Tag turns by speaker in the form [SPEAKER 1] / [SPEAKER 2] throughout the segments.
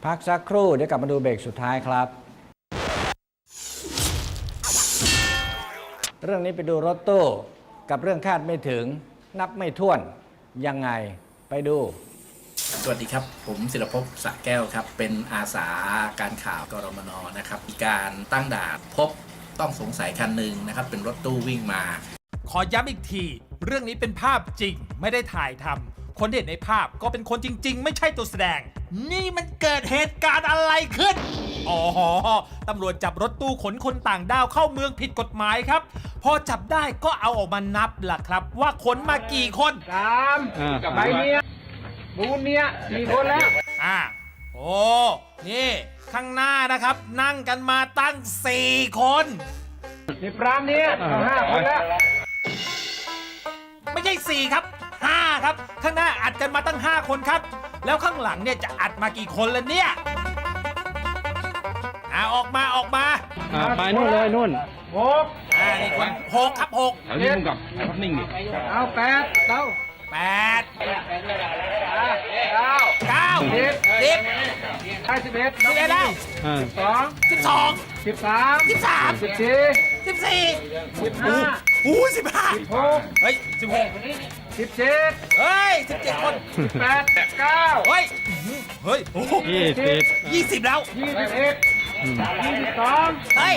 [SPEAKER 1] พักสักครู่เดี๋ยวกลับมาดูเบรกสุดท้ายครับ เรื่องนี้ไปดูรถตู้กับเรื่องคาดไม่ถึงนับไม่ถ้วนยังไงไปดู
[SPEAKER 2] สวัสดีครับผมศิลภพ สระแก้วครับเป็นอาสาการข่าวกรมนนะครับมีการตั้งด่านพบต้องสงสัยคันหนึ่งนะครับเป็นรถตู้วิ่งมา
[SPEAKER 3] ขอย้ำอีกทีเรื่องนี้เป็นภาพจริงไม่ได้ถ่ายทำคนที่เห็นในภาพก็เป็นคนจริงๆไม่ใช่ตัวแสดงนี่มันเกิดเหตุการณ์อะไรขึ้นอ๋อตำรวจจับรถตู้ขนคนต่างด้าวเข้าเมืองผิดกฎหมายครับพอจับได้ก็เอาออกมานับล่ะครับว่าขนมากี่คน
[SPEAKER 4] กับใบเนี้ยบูนเนี้ย4 คนแล้ว
[SPEAKER 3] โอ้นี่ข้างหน้านะครับนั่งกันมาตั้ง4 คน
[SPEAKER 4] นี่ปรามเนี้ย5 คนแล้ว
[SPEAKER 3] ไม่ใช่4ครับ5ครับข้างหน้าอัดกันมาตั้ง5 คนครับแล้วข้างหลังเนี่ยจะอัดมากี่คนแล้วเนี่ยออกมา
[SPEAKER 5] ไปนู่นเลยนู่น
[SPEAKER 4] 6
[SPEAKER 3] นี่คน6ครับ6
[SPEAKER 5] เอาที่มึงกับภาพนิ่งดิ
[SPEAKER 4] เอา8เอา
[SPEAKER 3] 8 9
[SPEAKER 4] 10
[SPEAKER 3] 11
[SPEAKER 4] 11แล้ว
[SPEAKER 3] 12 13
[SPEAKER 4] 13 14 15
[SPEAKER 3] 15เฮ้ย16
[SPEAKER 4] 17
[SPEAKER 3] เฮ้ย17 คน
[SPEAKER 4] 18 19
[SPEAKER 3] เฮ้ย20แล้ว
[SPEAKER 4] 21 22
[SPEAKER 3] เฮ้ย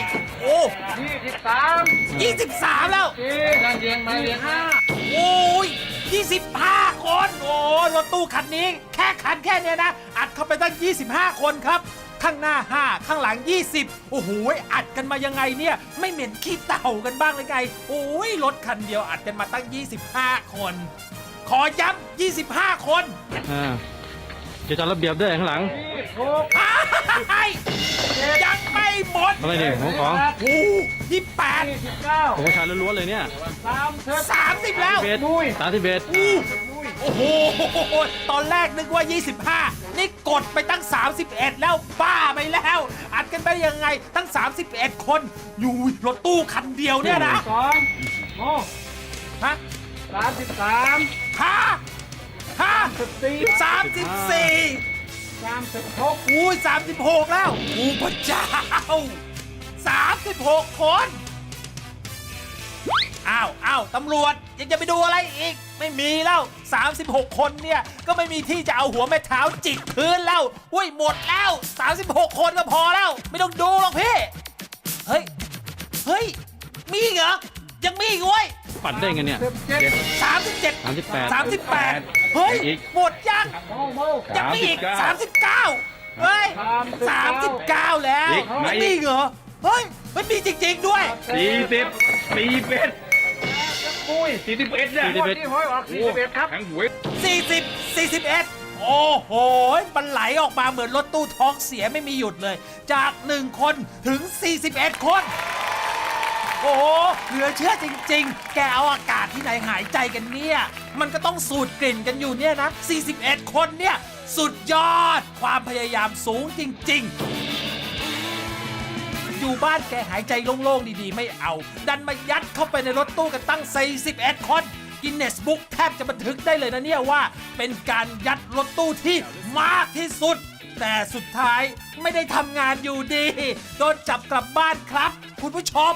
[SPEAKER 3] 23แล้วโอ้ย25 คนโอ้รถตู้คันนี้แค่เนี้ยนะอัดเข้าไปตั้ง25 คนครับข้างหน้า5ข้างหลัง20โอ้โหอัดกันมายังไงเนี่ยไม่เหม็นขี้เต่ากันบ้างเลยไงโอ้ยรถคันเดียวอัดกันมาตั้ง25 คนขอย้ำ25 คน
[SPEAKER 5] จะจัดระเบียบด้วยข้างหลัง
[SPEAKER 3] ยังไม่หมด
[SPEAKER 5] อะไรเนี่ยของ
[SPEAKER 3] 28
[SPEAKER 5] ผมชายล้วนๆเลยเนี่ย
[SPEAKER 3] 30แล้ว
[SPEAKER 5] 31
[SPEAKER 3] โอ้โหตอนแรกนึกว่า25นี่กดไปตั้ง31แล้วบ้าไปแล้วอัดกันไปยังไงตั้ง31 คนอยู่รถตู้คันเดียวเนี่ยนะ
[SPEAKER 4] 33
[SPEAKER 3] 36อุ้ย36แล้วพระเจ้า36 คนอ้าวตำรวจยังจะไปดูอะไรอีกไม่มีแล้ว36 คนเนี่ยก็ไม่มีที่จะเอาหัวแม่เท้าจิกพื้นแล้วอุ้ยหมดแล้ว36 คนก็พอแล้วไม่ต้องดูหรอกพี่เฮ้ยมีเหรอยังมีอีกเว้ย
[SPEAKER 5] ปัดได้ไงเนี่ย
[SPEAKER 3] 38เฮ้ยหมดยังมีอีก39เฮ้ย39แล้วไม่มีเหรอเฮ้ยไม่มีจริงๆด้วย
[SPEAKER 4] 41เนี่ยที่ห้อยออก41ครับ
[SPEAKER 3] 41โอ้โหมันไหลออกมาเหมือนรถตู้ท้องเสียไม่มีหยุดเลยจาก1 คนถึง41 คนโอ้โหเหลือเชื่อจริงๆแกเอาอากาศที่ไหนหายใจกันเนี่ยมันก็ต้องสูดกลิ่นกันอยู่เนี่ยนะ41 คนเนี่ยสุดยอดความพยายามสูงจริงๆอยู่บ้านแกหายใจโล่งๆดีๆไม่เอาดันมายัดเข้าไปในรถตู้กันตั้ง41 คนกินเนสบุ๊กแทบจะบันทึกได้เลยนะเนี่ยว่าเป็นการยัดรถตู้ที่มากที่สุดแต่สุดท้ายไม่ได้ทำงานอยู่ดีโดนจับกลับบ้านครับคุณผู้ชม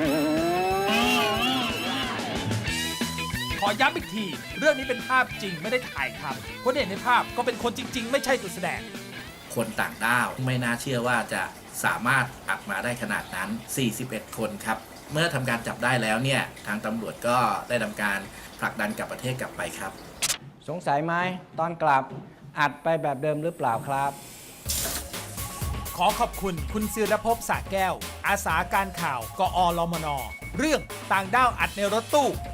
[SPEAKER 3] ขอย้ำอีกทีเรื่องนี้เป็นภาพจริงไม่ได้ถ่ายทำคนที่เห็นในภาพก็เป็นคนจริงๆไม่ใช่ตัวแสดง
[SPEAKER 2] คนต่างด้าวไม่น่าเชื่อว่าจะสามารถอัดมาได้ขนาดนั้น41 คนครับเมื่อทำการจับได้แล้วเนี่ยทางตำรวจก็ได้ทำการผลักดันกลับประเทศกลับไปครับ
[SPEAKER 1] สงสัยไหมตอนกลับอัดไปแบบเดิมหรือเปล่าครับ
[SPEAKER 3] ขอขอบคุณคุณศิรภพ สระแก้วอาสาการข่าวกอรมนเรื่องต่างด้าวอัดในรถตู้